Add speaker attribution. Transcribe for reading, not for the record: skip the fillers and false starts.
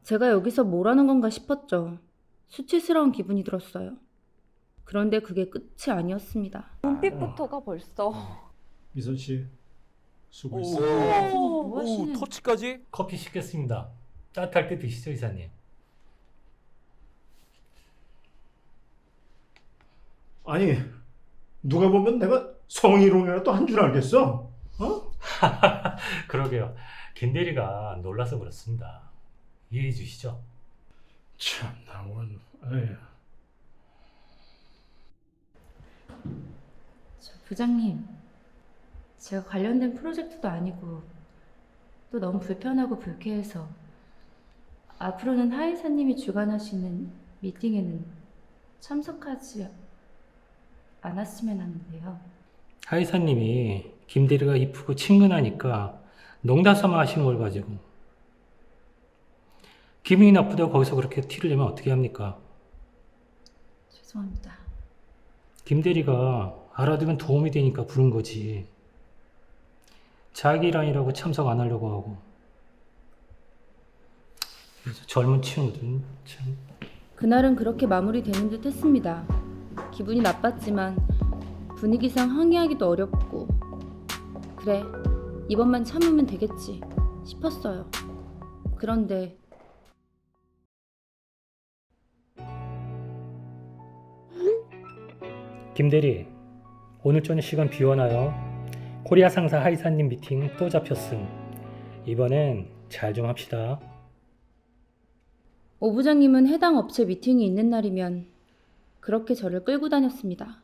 Speaker 1: 제가 여기서 뭘 하는 건가 싶었죠. 수치스러운 기분이 들었어요. 그런데 그게 끝이 아니었습니다.
Speaker 2: 눈빛부터가 벌써.
Speaker 3: 미선 씨 수고했어.
Speaker 1: 뭐
Speaker 4: 오,
Speaker 1: 하시는?
Speaker 4: 터치까지? 커피 시켰습니다. 따뜻할 때 드시죠, 이사님.
Speaker 3: 아니 누가 보면 내가 성희롱이라도 한 줄 알겠어? 어?
Speaker 4: 그러게요. 김 대리가 놀라서 그렇습니다. 이해해 주시죠?
Speaker 3: 참나 원. 에휴.
Speaker 1: 부장님, 제가 관련된 프로젝트도 아니고 또 너무 불편하고 불쾌해서 앞으로는 하 이사님이 주관하시는 미팅에는 참석하지 않았으면 하는데요.
Speaker 4: 하 이사님이 김 대리가 이쁘고 친근하니까 농담 삼아 하시는 걸 가지고 기분이 나쁘다고 거기서 그렇게 티를 내면 어떻게 합니까?
Speaker 1: 죄송합니다.
Speaker 4: 김 대리가 알아두면 도움이 되니까 부른 거지. 자기 일 아니라고 참석 안 하려고 하고. 그래서 젊은 친구들은 참.
Speaker 1: 그날은 그렇게 마무리되는 듯 했습니다. 기분이 나빴지만 분위기상 항의하기도 어렵고 그래, 이번만 참으면 되겠지 싶었어요. 그런데
Speaker 4: 김 대리, 오늘 저녁 시간 비워놔요. 코리아 상사 하이사님 미팅 또 잡혔음. 이번엔 잘 좀 합시다.
Speaker 1: 오 부장님은 해당 업체 미팅이 있는 날이면 그렇게 저를 끌고 다녔습니다.